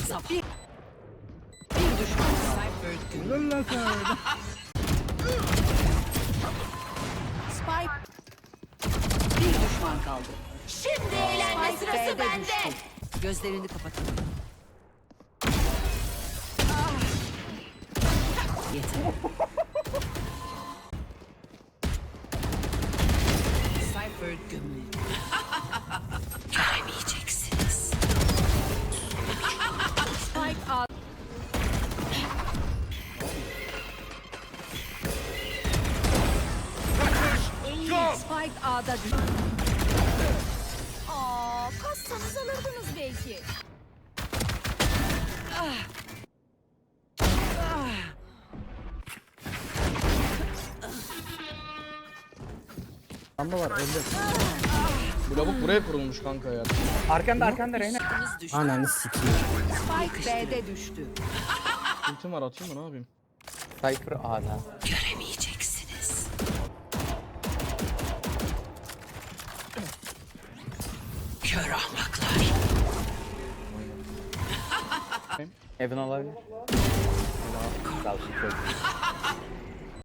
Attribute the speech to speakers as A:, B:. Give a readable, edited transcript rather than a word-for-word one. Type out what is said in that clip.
A: Bir düşman kaldı. Spike. Bir düşman kaldı.
B: Şimdi eğlenme
A: Spike
B: sırası
A: B'de
B: bende.
A: düştü. Gözlerini kapatın. Yeter. Cypher gömüldü. Göremeyeceksiniz. Spike A. Spike A'da düştü.
B: Kassanız alırdınız belki.
C: Lamba var öldü.
D: Bu lavuk buraya kurulmuş kanka ya.
C: Arkanda Reyna.
A: Kız düştü.
C: Ananı sikeyim.
A: Spike B'de düştü.
D: Ultim var, atayım mı, ne yapayım?
C: Cypher A'da.
A: Göremeyeceksiniz. Kör ahmaklar.
C: Evan olabilir. Dalsın çok.